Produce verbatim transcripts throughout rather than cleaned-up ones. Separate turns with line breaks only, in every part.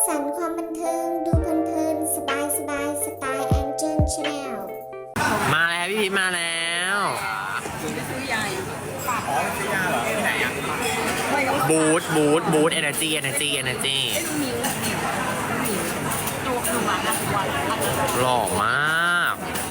สรรค์ความบันเทิงดูเพลินๆสบายสบายสไตล์แองเจิลชาแนล
มาแล้วพี่พีชมาแล้วบูทบูทบูทเอเนอร์จีเอเนอร์จีเอเนอร์จีหล่อมาก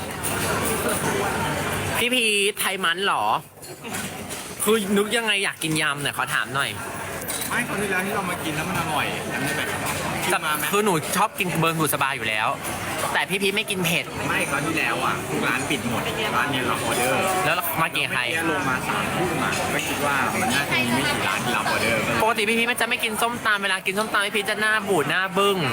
พี่พีชไทยมันเหรอคือนึกยังไงอยากกินยำหน่อยขอถามหน่อย
ไม่คราวที่แล้วที่เรามากินแล้วมันอร่อยจำได้ไหมกินมาไหม
คือหนูชอบกินเบิร์นบุษบาอยู่แล้ว แต่พี่พีชไม่กินเผ็ด
ไม่คราวที่แล้วอ่ะทุกร้านปิดหมดร้านนี้เราออเดอร์
แล้วมากินใคร
ลงมาสามทุ่มมาก็คิดว่ามันน่าจะมีไม่กี่ร้านที่รับออเดอร์
ปกติพี่พีชมันจะไม่กินส้มตำเวลากินส้มตำพี่พีชจะหน้าบูดหน้าบึ้ง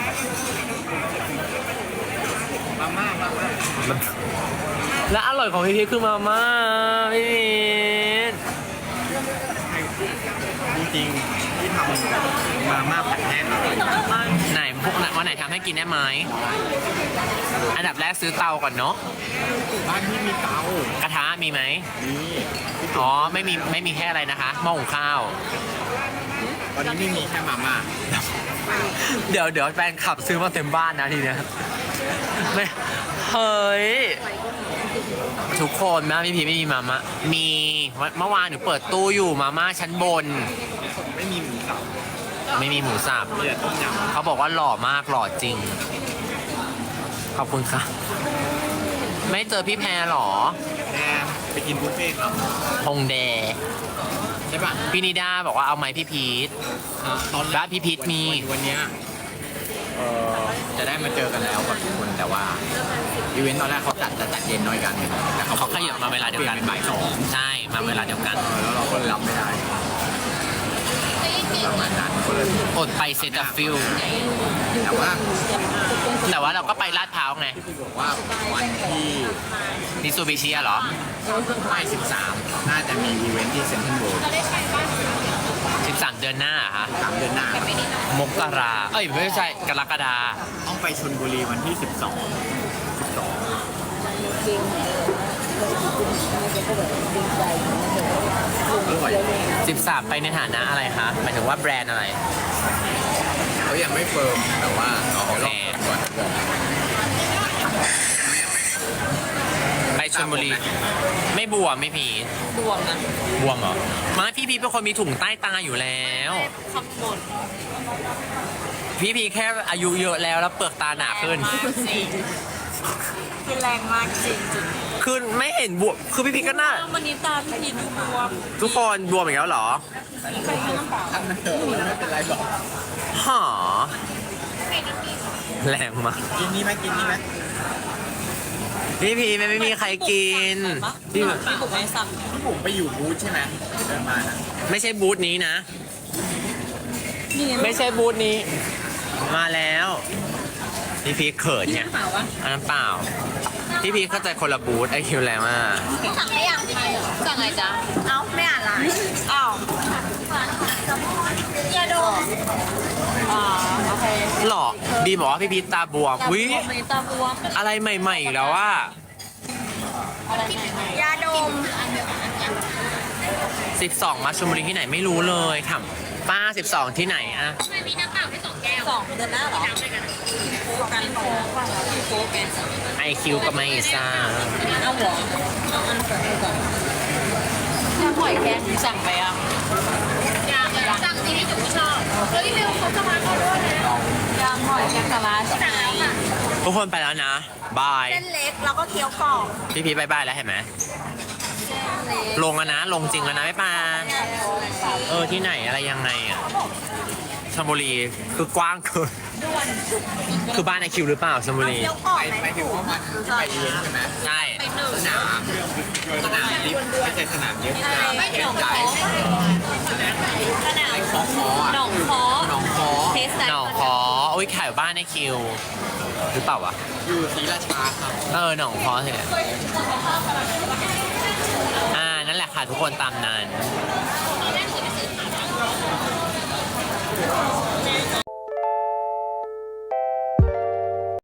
มาม่ามาม่า
และอร่อยของพี่พีชคือมาม่าพี่พีช
จริงๆที่ทำมาม่าผัดแห้งอร่อย
ไหนพวกวันไหนทำให้กินได้ไหมอันดับแรกซื้อเตาก่อนเนาะ
บ้านที่มีเตาก
ระทะมีไหม
มี
อ๋อไม่มีไม่มีแค่อะไรนะคะหม้อหุงข้าว
ตอนนี้ไม่มีแค่มาม่า
เดี๋ยวเดี๋ยวแฟนขับซื้อมาเต็มบ้านนะทีเนี้ยไม่เฮ้ยทุกคนแม่พี่พีไม่มีมาม่ามีเมื่อวานหนูเปิดตู้อยู่มาม่าชั้นบน
ไม่มีหมูสับ
ไม่มีหมูสับ
มีแต่ต้มยำ
เขาบอกว่าหล่อมากหล่อจริงขอบคุณค่ะไม่เจอพี่แพรหรอ
แพรไปกินบุฟเฟ่ต์ครับ
พงแด
ใช่ป่ะ
พี่นิดาบอกว่าเอาไหมพี่พีท
ตอน
แรกพี่พีทมี
วันนี้เออจะได้มาเจอกันแล้วกับทุกคนแต่ว่าอีเวนต์ตอนแรกเขาจัดจะจัดเย็นน้อยกันแต่
เขาขยับมาเวลาเดียวกัน
บ่ายสอง
ใช่มาเวลาเดียวกัน
แล้วเราก็รับไม่ได้ประมาณนั้นก็เลย
อดไปเซตฟิล
แต่ว่า
แต่ว่าเราก็ไปลาดพร้าวไง
บอกว่าวันที่
นิซูบิชิเหรอ
ไม่สิบสามน่าจะมีอีเวนต์ที่เซ็นทรัลเวิลด์
สิบสามเดือนหน้าฮะ
สามเดือนหน้าม
กราเอ้ยไม่ใช่กรกฎา
ต้องไปชลบุรีวันที่สิบสองสิบสอง
สิบสามไปในฐานะอะไรคะหมายถึงว่าแบรนด์อะไร
เขายังไม่เฟิร์มแต่ว่า
โอเคไปชลบุรีไม่บวมไม่พี
บวมนะ
บวมเหรอมาพี่พีเป็นคนมีถุงใต้ตาอยู่แล้ว
คำหมด
พี่พีแค่อายุเยอะแล้วแล้วเปลือกตาหนาขึ้น
คือแรงมากจริงจริง
คือไม่เห็นบวมคือพี่พีก็น่า
วันนี้ตาพี่พีดูบวม
ทุกคนบวมอีกแล้วเหรอ
ทำมันเถอะไม่เป็นไรหรอก
หอแรงมาก
กินนี่ไหมกินนี่ไหม
พี่พีไม่ไม่มีใครกิน
พี่พี่ผมไม่สั่ง
พี่ผมไปอยู่บูธใช่ไหมเดินมานะ
ไม่ใช่บูธนี้นะไม่ใช่บูธนี้มาแล้วพี่พีเขินเนี่ยอันนั้นเปล่าพี่พีเข้าใจคนละบูธไอคิวแรงมาก
สั่งไม่ยังสั่งไงจ๊ะเอ้าไม่อ่านไลน์อ้าวอย่าโดนอ๋อโอเค
หรอดีบอกว่าพี่พีตาบวมวิ
ตาบวม
อะไรใหม่ๆอีกแล้วว่
ายาดม
สิบสองมาชลบุรีที่ไหนไม่รู้เลยถามป้าสิบสองที่ไหนอะ
ไม่มีน้ำเปล่าแค่สองแก้วสองเดือนหน้าหรอกันโค้กป่ะโค้กแก
ไอคิวกับไมซ่า
เอาหรอเอาอันก่อนก่อนถ้าหอยแครงสั่งไปอ่ะยังสั่งที่พี่จุ๋มชอบเฮ้ยเร็วเขาจะมาเขาด้วยนะยำหอยแครงสลัดสั่งแล้วค่ะ
ทุกคนไปแล้วนะบาย
เส้นเล็กแล้วก็เคี้ยวกรอบ
พี่พีบายบายแล้วเห็นไหมลงแล้วนะลงจริงแล้วนะไม่ปาเออที่ไหนอะไรยังไงอ่ะชลบุรีคือกว้างเกินคือบ้านไอคิวหรือเปล่าชลบุรี
ไปไปถึงว่ามันไปเรียนใช่ไหม
ใช่
สนามสนามลิฟไม่ใช่สนามเยอะ
ไม่หนองคอสนาม
ไอคอคอ
หนองคอ
หนองคอ
หนองคอโอ้ยขายบ้านไอคิวหรือเปล่าวะ
อยู่ศรีราชาครับ
เออหนองคอเถอะอ่านั่นแหละค่ะทุกคนตามนั้น